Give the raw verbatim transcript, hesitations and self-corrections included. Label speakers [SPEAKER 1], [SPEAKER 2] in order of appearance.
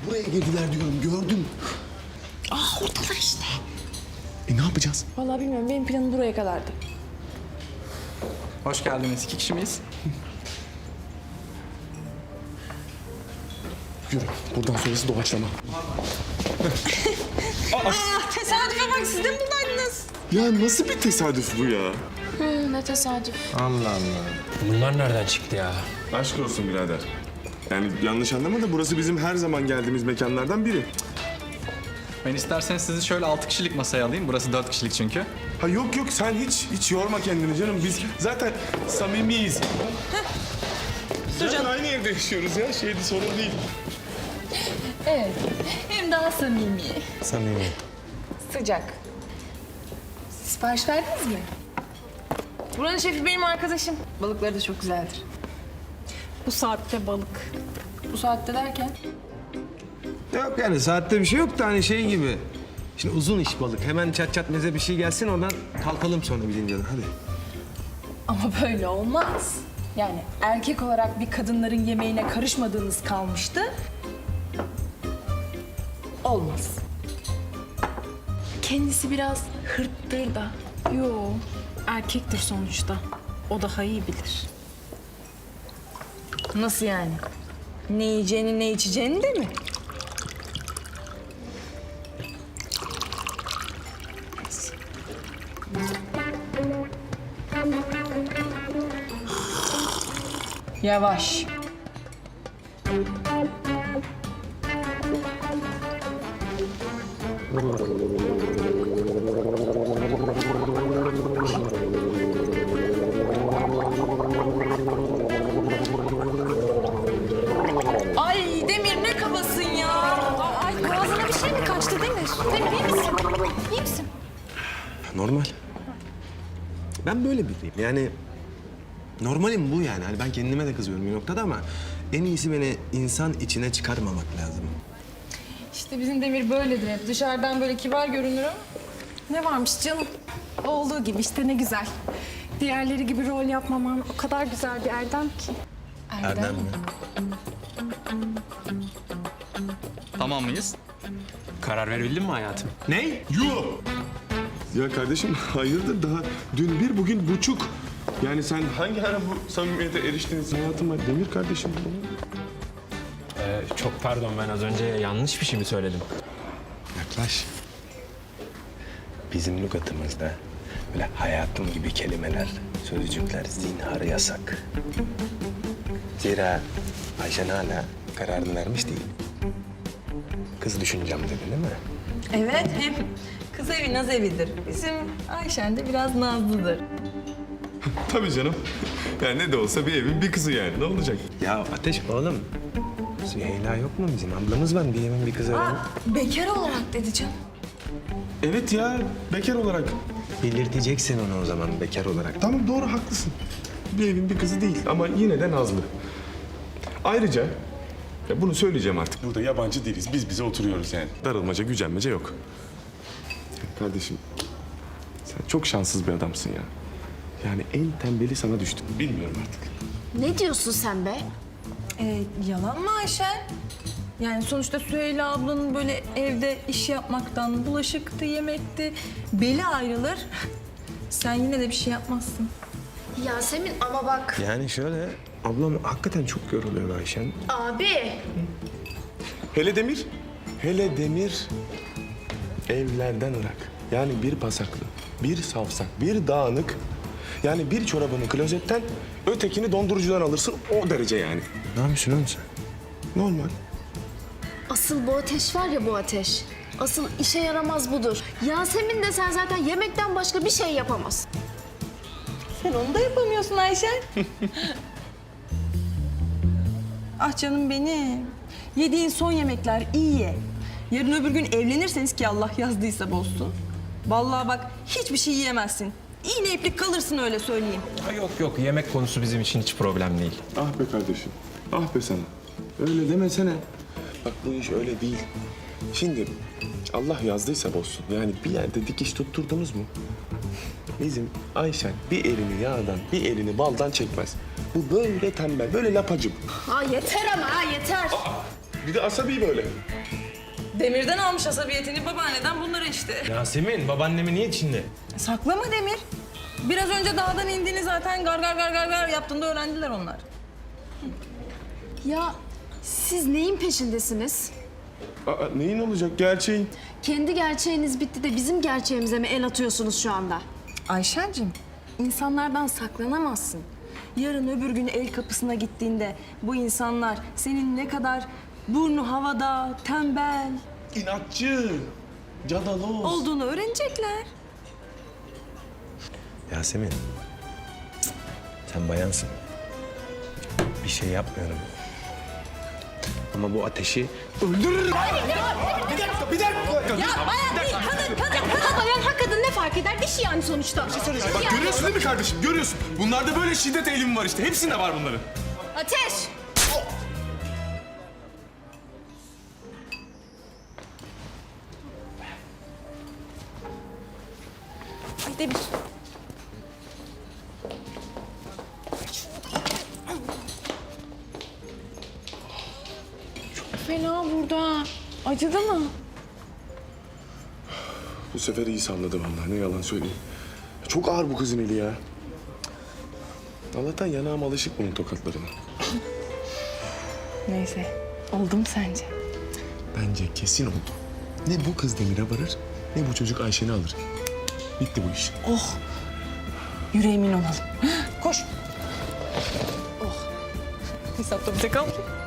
[SPEAKER 1] Buraya girdiler diyorum, gördüm.
[SPEAKER 2] Aa oradalar işte.
[SPEAKER 1] E ne yapacağız?
[SPEAKER 3] Vallahi bilmiyorum. Benim planım buraya kadardı.
[SPEAKER 4] Hoş geldiniz. İki kişi miyiz?
[SPEAKER 1] Yürü, buradan sonrası doğaçlama.
[SPEAKER 2] Aa tesadüfe bak, siz de mi buradaydınız?
[SPEAKER 1] Ya nasıl bir tesadüf bu ya?
[SPEAKER 3] Hı, ne tesadüf.
[SPEAKER 5] Allah Allah. Bunlar nereden çıktı ya?
[SPEAKER 1] Aşk olsun birader. Yani yanlış anlama da burası bizim her zaman geldiğimiz mekanlardan biri.
[SPEAKER 4] Ben isterseniz sizi şöyle altı kişilik masaya alayım. Burası dört kişilik çünkü.
[SPEAKER 1] Ha yok yok sen hiç hiç yorma kendini canım. Biz zaten samimiyiz. Zaten aynı evde yaşıyoruz ya. Şeydi sorun değil.
[SPEAKER 3] Evet. Hem daha samimi.
[SPEAKER 5] Samimi.
[SPEAKER 3] Sıcak. Sipariş verdiniz mi? Buranın şefi benim arkadaşım. Balıkları da çok güzeldir.
[SPEAKER 2] Bu saatte balık.
[SPEAKER 3] Bu saatte derken?
[SPEAKER 5] Yok yani saatte bir şey yok da hani şey gibi. Şimdi uzun iş balık. Hemen çat çat meze bir şey gelsin oradan kalkalım sonra bilince de. Hadi.
[SPEAKER 3] Ama böyle olmaz. Yani erkek olarak bir kadınların yemeğine karışmadığınız kalmıştı. Olmaz. Kendisi biraz hırttır da.
[SPEAKER 2] Yo, erkektir sonuçta. O daha iyi bilir.
[SPEAKER 3] Nasıl yani? Ne yiyeceğini ne içeceğini de mi? Yavaş. Ay Demir ne kabasın ya.
[SPEAKER 2] Ay boğazına bir şey mi kaçtı Demir? Demir iyi misin? İyi misin?
[SPEAKER 5] Normal. Ben böyle biriyim yani. Normalim bu yani. Hani ben kendime de kızıyorum bir noktada ama en iyisi beni insan içine çıkarmamak lazım.
[SPEAKER 3] İşte bizim Demir böyledir hep. Dışarıdan böyle kibar görünür ama.
[SPEAKER 2] Ne varmış canım? Olduğu gibi işte, ne güzel. Diğerleri gibi rol yapmaman o kadar güzel bir erdem ki.
[SPEAKER 5] Erdem mi?
[SPEAKER 4] Tamam mıyız?
[SPEAKER 5] Karar verebildin mi hayatım? Ne?
[SPEAKER 1] Yuh! Ya kardeşim hayırdır daha dün bir bugün buçuk. Yani sen hangi ara bu samimiyete eriştiniz hayatıma? Demir kardeşim.
[SPEAKER 6] Ee, çok pardon, ben az önce yanlış bir şey mi söyledim?
[SPEAKER 5] Yaklaş. Bizim lügatımızda böyle hayatım gibi kelimeler, sözcükler zinhar yasak. Zira Ayşen hala kararını vermiş değil. Kız düşüneceğim dedi değil mi?
[SPEAKER 3] Evet hem kız evi naz evidir. Bizim Ayşen de biraz nazlıdır.
[SPEAKER 1] Tabii canım. Yani ne de olsa bir evin bir kızı yani. Ne olacak?
[SPEAKER 5] Ya Ateş oğlum, Süheyla yok mu bizim? Ablamız var, bir evin bir kızı var.
[SPEAKER 3] Bekar olarak dedi canım.
[SPEAKER 1] Evet ya bekar olarak.
[SPEAKER 5] Belirteceksin onu o zaman bekar olarak.
[SPEAKER 1] Tamam doğru haklısın. Bir evin bir kızı değil ama yine de nazlı. Ayrıca ya bunu söyleyeceğim artık. Burada yabancı değiliz. Biz bize oturuyoruz yani. Darılmaca, gücenmece yok. Kardeşim sen çok şanssız bir adamsın ya. Yani en tembeli sana düştü. Bilmiyorum artık.
[SPEAKER 2] Ne diyorsun sen be?
[SPEAKER 3] Ee, yalan mı Ayşen? Yani sonuçta Süheyla ablanın böyle evde iş yapmaktan, bulaşıktı, yemekti, beli ayrılır. Sen yine de bir şey yapmazsın.
[SPEAKER 2] Yasemin ama bak.
[SPEAKER 5] Yani şöyle, ablam hakikaten çok yoruluyor Ayşen.
[SPEAKER 2] Abi.
[SPEAKER 1] Hele Demir, hele Demir evlerden ırak. Yani bir pasaklı, bir savsak, bir dağınık. Yani bir çorabını klozetten, ötekini dondurucudan alırsın o derece yani.
[SPEAKER 5] Ne yapıyorsun oğlum sen?
[SPEAKER 1] Normal.
[SPEAKER 2] Asıl bu ateş var ya, bu ateş. Asıl işe yaramaz budur. Yasemin de sen zaten yemekten başka bir şey yapamaz.
[SPEAKER 3] Sen onu da yapamıyorsun Ayşen. Ah canım benim. Yediğin son yemekler iyi ye. Yarın öbür gün evlenirseniz ki Allah yazdıysa bozsun. Vallahi bak hiçbir şey yiyemezsin. İğne iplik kalırsın öyle söyleyeyim.
[SPEAKER 6] Ha, yok yok, yemek konusu bizim için hiç problem değil.
[SPEAKER 1] Ah be kardeşim, ah be sana. Öyle demesene. Bak bu iş öyle değil. Şimdi Allah yazdıysa bozsun. Yani bir yerde dikiş tutturdunuz mu? Bizim Ayşen bir elini yağdan, bir elini baldan çekmez. Bu böyle tembel, böyle lapacım.
[SPEAKER 2] Ha yeter ama ha yeter.
[SPEAKER 1] Bir de asabi böyle.
[SPEAKER 3] Demir'den almış asabiyetini, babaanneden bunları işte.
[SPEAKER 6] Yasemin, babaannemi niye içinde?
[SPEAKER 3] Saklama Demir. Biraz önce dağdan indiğini zaten gar gar gar gar gar yaptığında öğrendiler onlar.
[SPEAKER 2] Ya siz neyin peşindesiniz?
[SPEAKER 1] Aa, neyin olacak? Gerçeğin.
[SPEAKER 2] Kendi gerçeğiniz bitti de bizim gerçeğimize mi el atıyorsunuz şu anda?
[SPEAKER 3] Ayşen'cim, insanlardan saklanamazsın. Yarın öbür gün el kapısına gittiğinde bu insanlar senin ne kadar burnu havada, tembel
[SPEAKER 1] İnatçı. Cadaloz.
[SPEAKER 3] olduğunu öğrenecekler.
[SPEAKER 5] Yasemin, cık, sen bayansın. Bir şey yapmıyorum. Ama bu ateşi
[SPEAKER 1] Öldürürüm. Bir dakika, bir dakika.
[SPEAKER 3] Ya bayan değil, kadın, kadın,
[SPEAKER 2] Ha bayan ha kadın ne fark eder? Dişi yani sonuçta.
[SPEAKER 1] Bak görüyorsun değil mi kardeşim? Görüyorsun. Bunlarda böyle şiddet eğilimi var işte. Hepsinde var bunların.
[SPEAKER 2] Ateş!
[SPEAKER 3] Ay Demir.
[SPEAKER 2] Fena burada. Acıdı mı?
[SPEAKER 1] Bu sefer iyi salladı vallahi. Ne yalan söyleyeyim. Çok ağır bu kızın eli ya. Allah'tan yanağım alışık bunun tokatlarına.
[SPEAKER 3] Neyse, oldu mu sence?
[SPEAKER 1] Bence kesin oldu. Ne bu kız Demir'e varır, ne bu çocuk Ayşen'i alır. Bitti bu iş.
[SPEAKER 3] Yüreğimin olalım. Koş. Oh. Hesapta bize kaldı.